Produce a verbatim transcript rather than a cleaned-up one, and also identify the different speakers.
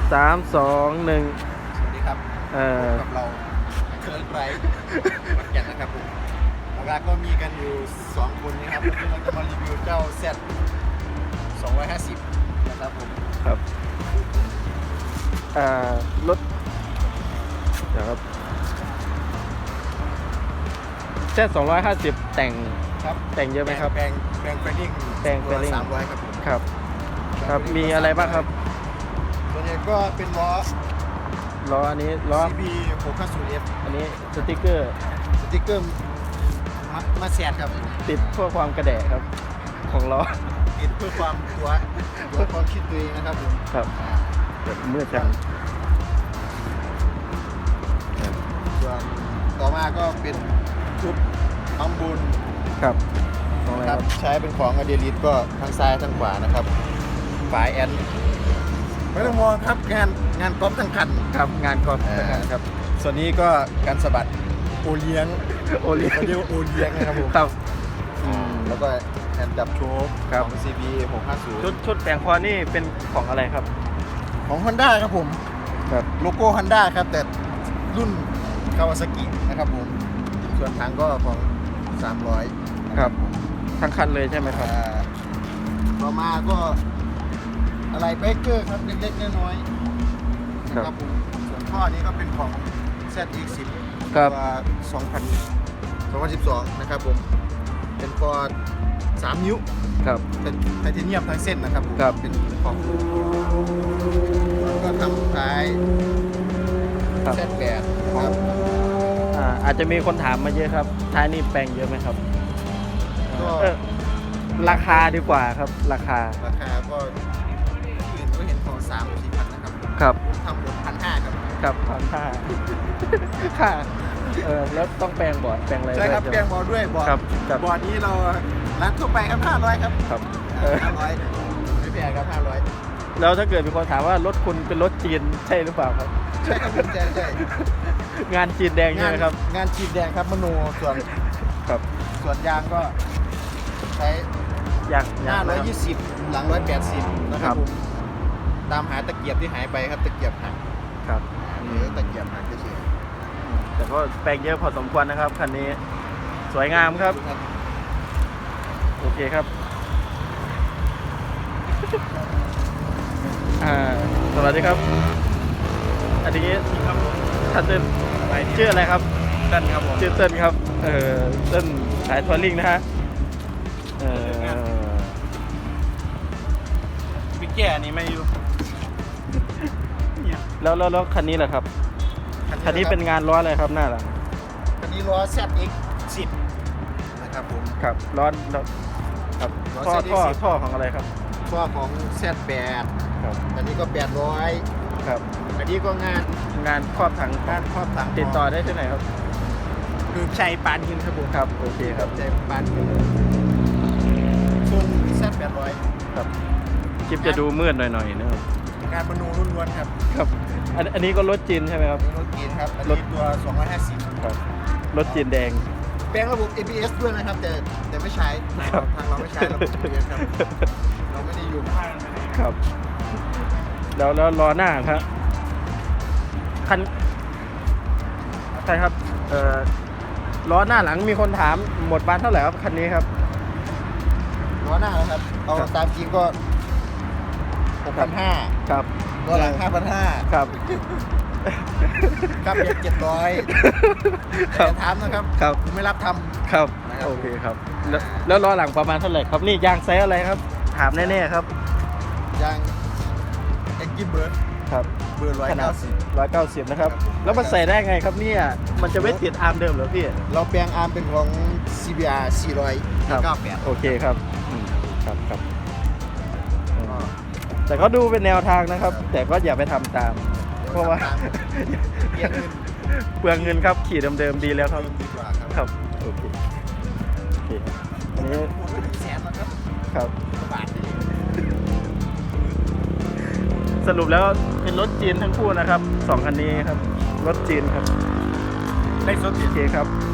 Speaker 1: สามสองหนึ่ง
Speaker 2: สวัสดีครับ
Speaker 1: เออ
Speaker 2: กับเราเคิร์นไบรท์ขอนแก่นนะครับผมหลักๆก็มีกันอยู่สองคนนะครับวันนี้เราจะมารีวิวเจ้า Z สองร้อยห้าสิบนะครับผม
Speaker 1: ครับอ่ารถเดี๋ยวครับแซดสองร้อยห้าสิบแต่ง
Speaker 2: ครับ
Speaker 1: แต่งเยอะไหมครับ
Speaker 2: แปลงแปลงแฟลิ่ง
Speaker 1: แปลงแฟลิ่ง
Speaker 2: สามร้อยครับผม
Speaker 1: ครับครับมีอะไรบ้างครับ
Speaker 2: ส่วนใหญ่ก็เป็นล้อ
Speaker 1: ล้ออันนี้ล้อ
Speaker 2: ซี บี หกห้าศูนย์ เอฟ
Speaker 1: อันนี้สติกเกอร์
Speaker 2: สติ๊กเกอร์มามาแซดครับ
Speaker 1: ติดเพื่อความกระแดะครับของล้อ
Speaker 2: ติดเพื่อความตัวตัวความคิดตัวเองนะครับผม
Speaker 1: ครับแบบมืดจัง
Speaker 2: ส่วนต่อมาก็เป็นชุดอัมบุญ
Speaker 1: ครับของอะไร
Speaker 2: ค
Speaker 1: ค
Speaker 2: รั
Speaker 1: รั
Speaker 2: บบ ใช้เป็นของอเดลิสก็ทั้งซ้ายทั้งขวานะครับฝายแอนไม่ต้องมองครับงานงานก๊อปทั้งคัน
Speaker 1: ครับงานกอล์ฟ
Speaker 2: อ่า
Speaker 1: ครับ
Speaker 2: ส่วนนี้ก็การสะบัดโอเลี้ยง
Speaker 1: โอเลี้ยง
Speaker 2: เขาเรียกว่าโอเลี้ยงนะครับผม
Speaker 1: ครับอืม
Speaker 2: แล้วก็แอนจับโชค
Speaker 1: ครับ
Speaker 2: ของ ซี บี หกห้าศูนย์
Speaker 1: ชุดชุดแต่งคอนี่เป็นของอะไรครับ
Speaker 2: ของ Honda ครับผม
Speaker 1: ครับ
Speaker 2: โลโก้ Honda ครับแต่รุ่นคาวาซากินะครับผมส่วนถังก็ของสามร้อย
Speaker 1: ครับทั้งคันเลยใช่ไหมครับ
Speaker 2: อ่าต่อมาก็อะไรเบเกอร์ครับเล็กๆน้อยๆนะครับผมส่วนข้อนี้ก็เป็นของ แซด อี เอ็กซ์ สิบ
Speaker 1: ครับ
Speaker 2: ตัวสองพันสิบสองนะครับผมเป็นคอสามนิ้ว
Speaker 1: ครับ
Speaker 2: เป็นไทเทเนียมทั้งเส้นนะครับผม
Speaker 1: ครับ
Speaker 2: เป็นของแล้วก็ทำท้าย
Speaker 1: ครับ
Speaker 2: แซด แปดครับ
Speaker 1: อ่าอาจจะมีคนถามมาเยอะครับท้ายนี่แปลงเยอะไหมครับ
Speaker 2: ก็
Speaker 1: เออราคาดีกว่าครับราคา
Speaker 2: ราคาก็อื่นก็เห็นของสามหรือสี่พันนะครับ
Speaker 1: ครับ
Speaker 2: ทำหมดพันห้าครับ
Speaker 1: ครับพันห้าค่าเออแล้วต้องแปลงบอร์ดแปลงอะไร
Speaker 2: ใช่ครับ
Speaker 1: ด้วย
Speaker 2: แปลงบอร์ดด้วยบอร์ด
Speaker 1: ครับครับ
Speaker 2: บอร์ดนี้เราร้านทั่วไปครับห้าร้อยครับ
Speaker 1: ครับเออ
Speaker 2: ห้าร้อยไม่แพงครับห้าร้อย
Speaker 1: แล้วถ้าเกิดมีคนถามว่ารถคุณเป็นรถจีนใช่หรือเปล่าครับ
Speaker 2: ใช่ครับคุณแจใช่
Speaker 1: งานจีนแดงใช่ไหมครับ
Speaker 2: งานฉีดแดงครับมโนส่วน
Speaker 1: ครับ
Speaker 2: ส่วนยางก็ใช้
Speaker 1: อยากอยาก
Speaker 2: ห้าร้อย
Speaker 1: นะค
Speaker 2: ยี่สิบหลังร้อยแปดสิบนะค
Speaker 1: ครั
Speaker 2: รับบ ผมตามหาตะเกียบที่หายไปครับตะเกียบหัก
Speaker 1: ครับ
Speaker 2: หรือตะเกียบหักเฉย
Speaker 1: แต่ก็แปลงเยอะพอสมควรนะครับคันนี้สวยงามครับ โอเคครับ อ่าสวัสดีครับ อันนี้ครับท่านเต้นชื่ออะไรครับ
Speaker 2: เต้นครับผม
Speaker 1: ชื่อเต้นครับ เออเต้นสายทัวริงนะฮะเออ
Speaker 2: บิ๊กแก่นี่ไม่อยู่
Speaker 1: แล้วแล้วแล้วคันนี้แหละครับ คันนี้เป็นงานล้ออะไรครับหน้าหลัง
Speaker 2: คันนี้ล้อ แซด เอ็กซ์ สิบนะครับผม
Speaker 1: ครับล้อล้อครับ
Speaker 2: ล้อ
Speaker 1: ท่อ
Speaker 2: แซด เอ็ก
Speaker 1: ท่อ
Speaker 2: ซ์ สิบ
Speaker 1: ท่อของอะไรครับ
Speaker 2: ข้อของ แซด แปด
Speaker 1: ครับ
Speaker 2: อันนี้ก็แปดร้อย
Speaker 1: ครับ
Speaker 2: อันนี้ก็งาน
Speaker 1: งานครอบถัง
Speaker 2: งานครอบถัง
Speaker 1: ติดต่อได้ที่ไหนครับ
Speaker 2: คือชัยปานหินครับผม
Speaker 1: ครับโอเคครับ
Speaker 2: ชัยปานหินส่วน แซด แปดร้อย
Speaker 1: ครับคลิปจะดูมืดหน่อยๆนะครับ
Speaker 2: งานมนูล้วนๆครับ
Speaker 1: ครับอันอันนี้ก็รถจีนใช่ไหมครับ
Speaker 2: รถเกียร์ครับ อัน
Speaker 1: รถ
Speaker 2: นี้ตัวสองร้อยห้าสิบ
Speaker 1: ครับรถจีนแดง
Speaker 2: แปลงระบบ เอ บี เอส ด้วยนะครับแต่แต่ไม่ใช้
Speaker 1: ครับ
Speaker 2: ทางเราไม่ใช้ระบบ เอ บี เอส ครับเราไม่ได้อยู่ข้าง
Speaker 1: ครับ แล้วแล้วล้อหน้าครับคันใช่ครับเอ่อล้อหน้าหลังมีคนถามหมดบานเท่าไหร่ครับคันนี้ครับ
Speaker 2: ล้อหน้านะครับ เอา
Speaker 1: ครับ
Speaker 2: ตามจริงก็หกพันห้า
Speaker 1: ครับ
Speaker 2: ล้อหลังห้าพันห้า
Speaker 1: ครับ
Speaker 2: ครับเบียดเจ็ดร้อย
Speaker 1: ครับ
Speaker 2: ถามนะครับ
Speaker 1: ครับ
Speaker 2: ผมไม่รับท
Speaker 1: ครับ
Speaker 2: นะครับ
Speaker 1: โอเคครับแล้วแล้วล้อหลังประมาณเท่าไหร่ครับนี่ยางไซส์อะไรครับ ถามแน่ๆครับ
Speaker 2: ำยางเอ็กซ์เบิร์ด
Speaker 1: ครับ
Speaker 2: เบอร์ร้อย
Speaker 1: ขนา
Speaker 2: เก้า
Speaker 1: ด
Speaker 2: สิบ
Speaker 1: ร้อยเก้าสิบนะครับ แล้วมันใส่ได้ไงครับเนี่ยมันจะไม่ติดอาร์มเดิมเหรอพี่
Speaker 2: เราแปลงอาร์มเป็นของ ซี บี อาร์ สี่ร้อย
Speaker 1: ครับ
Speaker 2: เก้าแปด
Speaker 1: โอเคครับอืมครับครับอืมแต่ก็ดูเป็นแนวทางนะครับ แต่ก็อย่าไปทำตาม เพราะว่า
Speaker 2: เปลี่ยนเงิน
Speaker 1: เปลืองเงินครับขี่เดิมๆดีแล้วครับ
Speaker 2: ดีกว่าครับ
Speaker 1: ครับโอเคโอเคอันนี้
Speaker 2: หมดไปถึงแสนแล้วครับ
Speaker 1: ครับ
Speaker 2: บาทนี่
Speaker 1: สรุปแล้วเป็นรถจีนทั้งคู่นะครับสองคันนี้ครับรถจีนครับ
Speaker 2: ได้สด
Speaker 1: โอเคครับ